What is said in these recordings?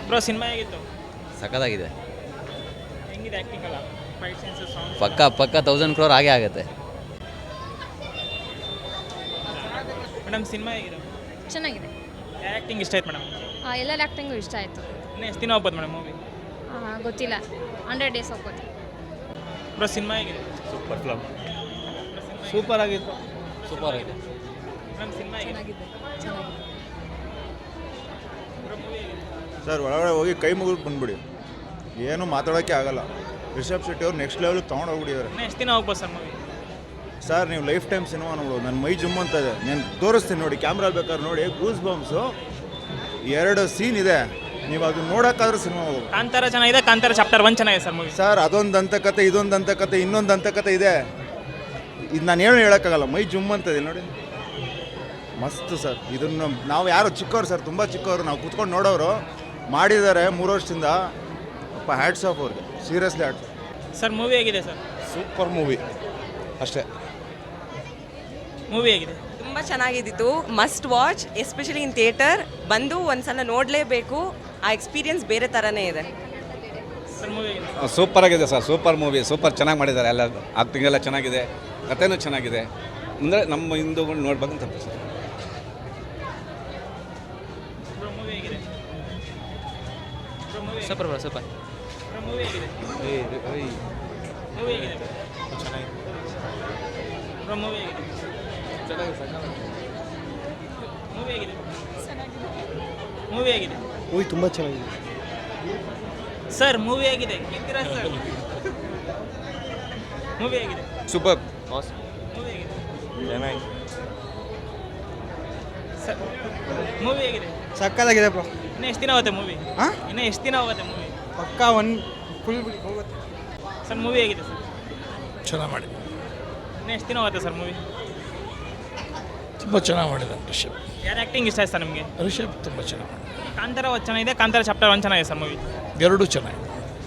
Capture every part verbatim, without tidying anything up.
Bro cinema ಹೇಗಿತ್ತು? ಸಖತ್ತಾಗಿದೆ. ಹೆಂಗಿದೆ ಆ್ಯಕ್ಟಿಂಗ್ ಎಲ್ಲ? ಫೈಟ್ ಸೀನ್ಸ್, ಸಾಂಗ್ಸ್ ಪಕ್ಕ ಪಕ್ಕ ತೌಸಂಡ್ ಕ್ರೋರ್ ಆಗೇ ಆಗುತ್ತೆ. ಮೇಡಮ್ ಸಿನಿಮಾ ಹೇಗಿದೆ? ಚೆನ್ನಾಗಿದೆ. ಯಾವ ಆ್ಯಕ್ಟಿಂಗ್ ಇಷ್ಟ ಆಯ್ತು ಮೇಡಮ್? ಎಲ್ಲರ ಆ್ಯಕ್ಟಿಂಗು ಇಷ್ಟ ಆಯಿತು. ಇನ್ನು ಎಷ್ಟು ದಿನ ಹೋಗ್ಬೋದು ಮೇಡಮ್ ಮೂವಿ? ಗೊತ್ತಿಲ್ಲ, ಹಂಡ್ರೆಡ್ ಡೇಸ್ ಹೋಗ್ಬೋದು. ಬ್ರೋ ಸಿನಿಮಾ ಹೇಗಿದೆ? ಸೂಪರ್ ಫಿಲಮ್, ಸೂಪರ್ ಆಗಿತ್ತು. ಸೂಪರ್ ಆಗಿದೆ. ಮೇಡಮ್ ಸಿನಿಮಾ ಹೇಗಿದೆ? ಬ್ರೋ ಮೂವಿ ಹೇಗಿದೆ? ಸರ್ ಒಳಗಡೆ ಹೋಗಿ ಕೈ ಮುಗಿದು ಬಂದ್ಬಿಡಿ, ಏನು ಮಾತಾಡೋಕ್ಕೆ ಆಗಲ್ಲ. ರಿಷಬ್ ಶೆಟ್ಟಿ ಅವ್ರು ನೆಕ್ಸ್ಟ್ ಲೆವೆಲ್ಗೆ ತೊಗೊಂಡು ಹೋಗ್ಬಿಟ್ಟಿದ್ದಾರೆ. ಇನ್ನು ಎಷ್ಟು ದಿನ ಹೋಗ್ಬೋದು ಸರ್ ಮೂವಿ? ಸರ್ ನೀವು ಲೈಫ್ ಟೈಮ್ ಸಿನಿಮಾ ನೋಡೋದು, ನನ್ನ ಮೈ ಜುಮ್ ಅಂತ ಇದೆ. ನಾನು ತೋರಿಸ್ತೀನಿ ನೋಡಿ, ಕ್ಯಾಮ್ರಾ ಬೇಕಾದ್ರೆ ನೋಡಿ. ಗೂಸ್ ಬಾಂಬ್ಸು ಎರಡು ಸೀನ್ ಇದೆ, ನೀವು ಅದನ್ನ ನೋಡೋಕ್ಕಾದ್ರೂ ಸಿನಿಮಾ ಹೋಗೋದು. ಕಾಂತಾರ ಚೆನ್ನಾಗಿದೆ, ಕಾಂತಾರ ಚಾಪ್ಟರ್ ಒನ್ ಚೆನ್ನಾಗಿದೆ ಸರ್ ಮೂವಿ. ಸರ್ ಅದೊಂದು ದಂತಕತೆ, ಇದೊಂದು ದಂತಕತೆ, ಇನ್ನೊಂದು ದಂತಕತೆ ಇದೆ. ಇದು ನಾನು ಏನು ಹೇಳೋಕ್ಕಾಗಲ್ಲ, ಮೈ ಜುಮ್ ಅಂತದೆ ನೋಡಿ. ಮಸ್ತ್ ಸರ್. ಇದನ್ನು ನಾವು ಯಾರು ಚಿಕ್ಕವ್ರು ಸರ್, ತುಂಬ ಚಿಕ್ಕವರು, ನಾವು ಕುತ್ಕೊಂಡು ನೋಡೋರು. ಮಾಡಿದ್ದಾರೆ ಮೂರು ವರ್ಷದಿಂದ. ಅಪ್ಪ ಹ್ಯಾಟ್ಸ್ ಆಫ್ ಅವ್ರಿಗೆ, seriously hats off. Sir movie ಹೇಗಿದೆ ಸರ್? ಸೂಪರ್ ಮೂವಿ ಅಷ್ಟೇ. ಮೂವಿ ಹೇಗಿದೆ? ತುಂಬ ಚೆನ್ನಾಗಿದ್ದಿತ್ತು. Must watch, especially in theatre. ಬಂದು ಒಂದ್ಸಲ ನೋಡಲೇಬೇಕು. ಆ ಎಕ್ಸ್ಪೀರಿಯನ್ಸ್ ಬೇರೆ ಥರನೇ ಇದೆ. ಸರ್ ಮೂವಿ ಹೇಗಿದೆ? ಸೂಪರ್ ಆಗಿದೆ ಸರ್, ಸೂಪರ್ ಮೂವಿ, ಸೂಪರ್ ಚೆನ್ನಾಗಿ ಮಾಡಿದ್ದಾರೆ. ಎಲ್ಲ ಆಕ್ಟಿಂಗ್ ಎಲ್ಲ ಚೆನ್ನಾಗಿದೆ, ಕಥೆನೂ ಚೆನ್ನಾಗಿದೆ. ಅಂದರೆ ನಮ್ಮ ಹಿಂದೂಗಳು ನೋಡ್ಬೇಕಂತ ಸರ್. ಬ್ರೋ ಮೂವಿ ಹೇಗಿದೆ? Bro movie super bro super. Bro movie ಹೇಗಿದೆ? ಮೂವಿ ಹೇಗಿದೆ? ಚೆನ್ನಾಗಿದೆ. ಬ್ರೋ ಮೂವಿ ಹೇಗಿದೆ? ಮೂವಿ ಹೇಗಿದೆ? ಮೂವಿ ಹೇಗಿದೆ? ಮೂವಿ ತುಂಬ ಚೆನ್ನಾಗಿದೆ ಸರ್. ಮೂವಿ ಹೇಗಿದೆ? ಗೆದ್ದಿರಾ ಸರ್? ಮೂವಿ ಹೇಗಿದೆ? ಸೂಪರ್. ಮೂವಿ ಹೇಗಿದೆ? ಚೆನ್ನಾಗಿ. ಸರ್ ಮೂವಿ ಹೇಗಿದೆ? ಸಕ್ಕತ್ತಾಗಿದೆ ಬ್ರೋ. ಇನ್ನು ಎಷ್ಟು ದಿನ ಹೋಗುತ್ತೆ ಮೂವಿ? ಹಾಂ, ಇನ್ನು ಎಷ್ಟು ದಿನ ಹೋಗುತ್ತೆ ಮೂವಿ? ಪಕ್ಕ ಒನ್ ಫುಲ್ ಹೋಗುತ್ತೆ. ಸರ್ ಮೂವಿ ಹೇಗಿದೆ ಸರ್? ಚೆನ್ನಾಗಿ ಮಾಡಿದೆ, ಇನ್ನು ಎಷ್ಟು ದಿನ ಹೋಗುತ್ತೆ ಸರ್ ಮೂವಿ? ತುಂಬ ಚೆನ್ನಾಗಿ ಮಾಡಿದ್ದಾನೆ ರಿಷಬ್. ಯಾರು ಆ್ಯಕ್ಟಿಂಗ್ ಇಷ್ಟ ಆಯ್ತು ಸರ್ ನಿಮಗೆ? ರಿಷಬ್ ತುಂಬ ಚೆನ್ನಾಗಿ ಮಾಡಿದೆ. ಕಾಂತಾರ ಒಂದು ಚೆನ್ನಾಗಿದೆ, ಕಾಂತಾರ ಚಾಪ್ಟರ್ ಒನ್ ಚೆನ್ನಾಗಿದೆ ಸರ್ ಮೂವಿ. ಎರಡೂ ಚೆನ್ನಾಗಿದೆ.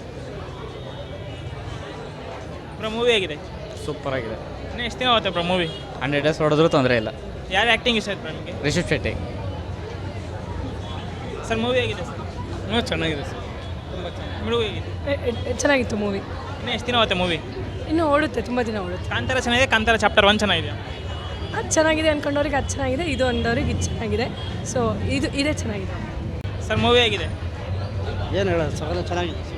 ಬ್ರೋ ಮೂವಿ ಹೇಗಿದೆ? ಸೂಪರ್ ಆಗಿದೆ. ಇನ್ನು ಎಷ್ಟು ದಿನ ಹೋಗುತ್ತೆ ಬ್ರೋ ಮೂವಿ? ಹಂಡ್ರೆಡ್ ಡೇಸ್ ಹೊಡೆದ್ರೂ ತೊಂದರೆ ಇಲ್ಲ. ಯಾರು ಆ್ಯಕ್ಟಿಂಗ್ ಇಷ್ಟ ಆಯ್ತು ಬ್ರೋ ನಿಮಗೆ? ರಿಷಬ್ ಶೆಟ್ಟಿ. ಸರ್ ಮೂವಿ ಹೇಗಿದೆ ಸರ್? ಇನ್ನೂ ಚೆನ್ನಾಗಿದೆ ಸರ್. ತುಂಬ ಚೆನ್ನಾಗಿ. ಮೂವಿ ಹೇಗಿದೆ? ಚೆನ್ನಾಗಿತ್ತು ಮೂವಿ. ಇನ್ನು ಎಷ್ಟು ದಿನ ಹೋಗುತ್ತೆ ಮೂವಿ? ಇನ್ನೂ ಓಡುತ್ತೆ, ತುಂಬ ದಿನ ಓಡುತ್ತೆ. ಕಾಂತಾರ ಚೆನ್ನಾಗಿದೆ, ಕಾಂತಾರ ಚಾಪ್ಟರ್ ಒನ್ ಚೆನ್ನಾಗಿದೆ. ಅದು ಚೆನ್ನಾಗಿದೆ ಅಂದ್ಕೊಂಡವ್ರಿಗೆ ಅದು ಚೆನ್ನಾಗಿದೆ, ಇದು ಅಂದವ್ರಿಗೆ ಇದು ಚೆನ್ನಾಗಿದೆ. ಸೊ ಇದು ಇದೇ ಚೆನ್ನಾಗಿದೆ. ಸರ್ ಮೂವಿ ಹೇಗಿದೆ? ಏನು ಹೇಳೋದು, ಸಕಲ ಚೆನ್ನಾಗಿದೆ.